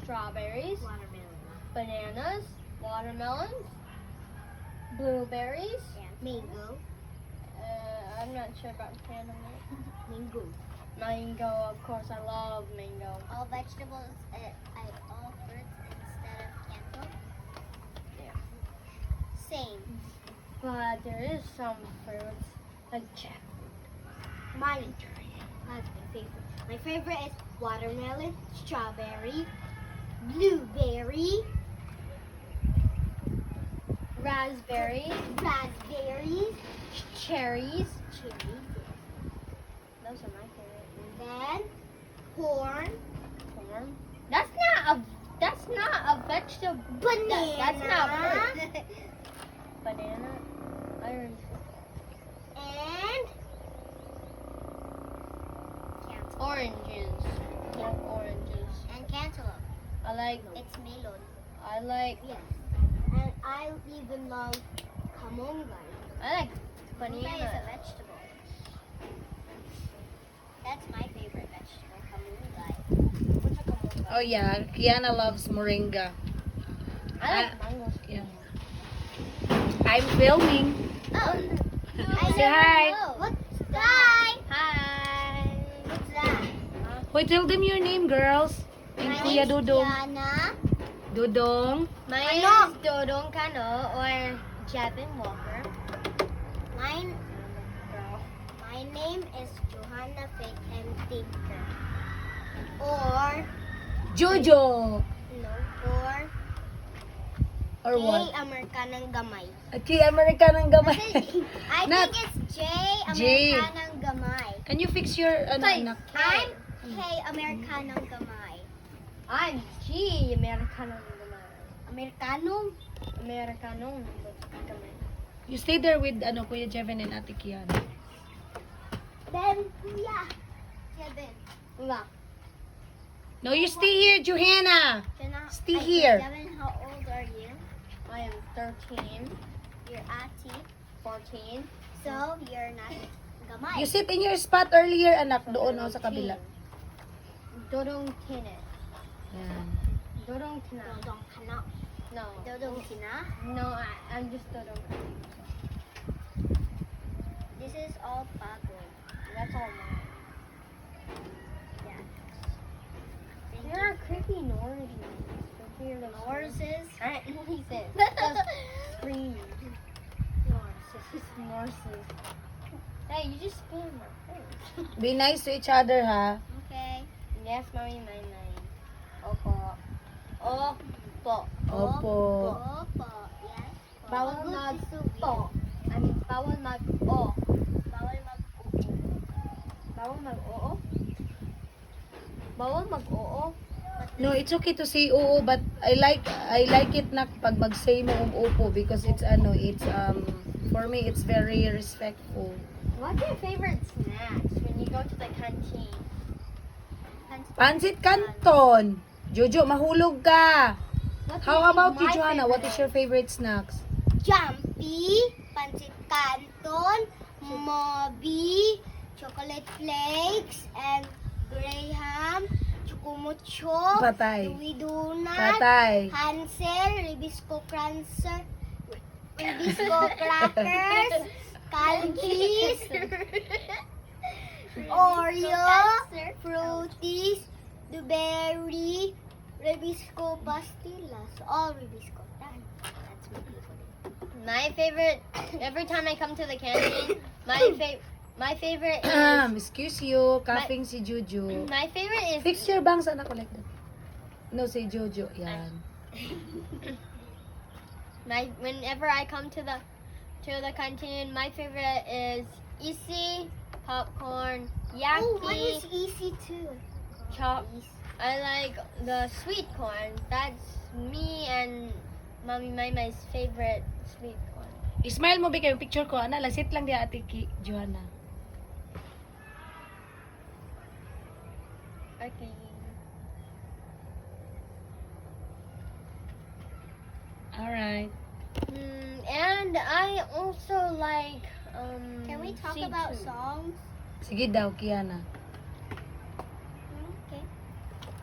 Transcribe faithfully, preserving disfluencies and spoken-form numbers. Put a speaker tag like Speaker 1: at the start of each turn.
Speaker 1: strawberries,
Speaker 2: Watermelon.
Speaker 1: bananas, watermelons, blueberries.
Speaker 2: Mango.
Speaker 1: Uh, I'm not sure about cantaloupe.
Speaker 2: Mango.
Speaker 1: Mango, of course, I love mango.
Speaker 2: All vegetables, uh, I all fruits instead of cantaloupe.
Speaker 1: Yeah.
Speaker 2: Same.
Speaker 1: But there is some fruits like jackfruit.
Speaker 2: Mine. That's my favorite. My favorite is watermelon, strawberry, blueberry,
Speaker 1: Raspberry,
Speaker 2: raspberries,
Speaker 1: cherries.
Speaker 2: cherries,
Speaker 1: Those are my favorite.
Speaker 2: then corn,
Speaker 1: Corn. That's not a. That's not a vegetable.
Speaker 2: banana,
Speaker 1: That's not fruit. Banana. I already said
Speaker 2: and cantaloupe.
Speaker 1: oranges. Love oranges.
Speaker 2: And cantaloupe.
Speaker 1: I like.
Speaker 2: It's melon.
Speaker 1: I like.
Speaker 2: Yes. And I even love kamongai.
Speaker 1: I like
Speaker 2: Kamongai is a
Speaker 1: banana.
Speaker 2: vegetable. That's my favorite vegetable, kamongai.
Speaker 1: What's a kamoga?
Speaker 3: Oh yeah, Kiana loves moringa.
Speaker 1: I like
Speaker 3: Ah,
Speaker 1: mangoes.
Speaker 3: Yeah. I'm filming.
Speaker 2: Oh, I
Speaker 3: Say
Speaker 2: never
Speaker 3: hi.
Speaker 2: know. What's that?
Speaker 1: Hi.
Speaker 2: What's that?
Speaker 3: Wait, tell them your name, girls. And
Speaker 2: My
Speaker 3: Kuya
Speaker 2: name's
Speaker 3: Dudong.
Speaker 2: Kiana.
Speaker 3: Dudong.
Speaker 1: My
Speaker 2: Ano?
Speaker 1: name is Dodong Kano or Javin Walker.
Speaker 2: Mine, my name is Johanna Faith M. Tinker. Or,
Speaker 3: Jojo.
Speaker 2: no, or,
Speaker 3: Or
Speaker 2: J.
Speaker 3: what?
Speaker 2: Americanang Gamay.
Speaker 3: Ati American ng gamay.
Speaker 2: I
Speaker 3: Nat.
Speaker 2: think it's J.
Speaker 3: J.
Speaker 2: Americanang Gamay.
Speaker 3: Can you fix your ano,
Speaker 1: Tay.
Speaker 3: anak?
Speaker 2: I'm K. Americanang Gamay.
Speaker 1: I'm G. Americano naman.
Speaker 2: Americanong?
Speaker 1: Americano naman.
Speaker 3: You stay there with ano Kuya Jevin and Ate Kiana.
Speaker 2: Then, Kuya. Kevin.
Speaker 1: Wala.
Speaker 3: No, you stay here, Johanna.
Speaker 2: Jenna,
Speaker 3: Stay
Speaker 2: ay,
Speaker 3: here.
Speaker 2: Kevin, how old are you?
Speaker 1: I am thirteen,
Speaker 2: You're Ati.
Speaker 1: fourteen,
Speaker 2: So, you're not Gamay.
Speaker 3: You sit in your spot earlier, anak, doon o sa kabila.
Speaker 1: Dodong Kine.
Speaker 3: Yan.
Speaker 1: Dodong Kina.
Speaker 2: Dodong Kana.
Speaker 1: No.
Speaker 2: Dodong Kina.
Speaker 1: No, I, I'm just Dodong Kina.
Speaker 2: This is all bagoy.
Speaker 1: That's all mine.
Speaker 2: Yeah. Thank
Speaker 1: There are creepy noises. Creepier than
Speaker 2: Horses.
Speaker 1: Alright, noises. Scream.
Speaker 2: Horses.
Speaker 1: Noises. Hey, you just spit in my face.
Speaker 3: Be nice to each other, ha?
Speaker 2: Okay.
Speaker 1: Yes, mommy, my name. Opo. Opo.
Speaker 3: Opo.
Speaker 2: Opo. Yes.
Speaker 1: Bawal
Speaker 2: Pagod
Speaker 1: mag
Speaker 2: is so
Speaker 1: po.
Speaker 2: weird.
Speaker 1: I mean, bawal mag o.
Speaker 2: Bawal mag
Speaker 1: Bawal mag oo. Bawal mag oo.
Speaker 3: No, it's okay to say oo, but I like I like it na pag mag-say mo og opo because it's ano, it's um for me it's very respectful.
Speaker 1: What's your favorite snacks when you go to the canteen?
Speaker 3: Pansit Canton. Jojo, mahulog ka.
Speaker 1: What's
Speaker 3: How
Speaker 1: your-
Speaker 3: about you,
Speaker 1: my
Speaker 3: Joanna? What is
Speaker 1: favorite?
Speaker 3: your favorite snacks?
Speaker 2: Jumpy, pancit canton, Moby, chocolate flakes, and graham, chukumucho,
Speaker 3: Patay.
Speaker 2: Louis Donut,
Speaker 3: Patay.
Speaker 2: Hansel, Ribisco Crancer, Ribisco Crackers, Calgies, Oreo, Fruities, Blueberry, Ribisco Pastillas, all Ribisco. That, that's my favorite.
Speaker 1: My favorite. Every time I come to the canteen, my favorite. My favorite
Speaker 3: Um,
Speaker 1: is.
Speaker 3: excuse you, coughing si Jojo.
Speaker 1: My favorite is.
Speaker 3: Fix your bangs, anak ko like that. No, si Jojo. Yan.
Speaker 1: My whenever I come to the to the canteen, my favorite is Easy popcorn,
Speaker 2: Oh, mine
Speaker 1: Yaki,
Speaker 2: is easy too.
Speaker 1: chop. I like the sweet corn. That's me and Mommy Maymay's favorite sweet corn.
Speaker 3: I-smile mo ba kayo picture ko? Ana, lasit lang di ate ki, Joanna.
Speaker 1: Okay.
Speaker 3: Alright.
Speaker 1: Mm, and I also like um.
Speaker 2: Can we talk
Speaker 1: seafood.
Speaker 2: about songs?
Speaker 3: Sige daw, Kiana.
Speaker 2: Okay.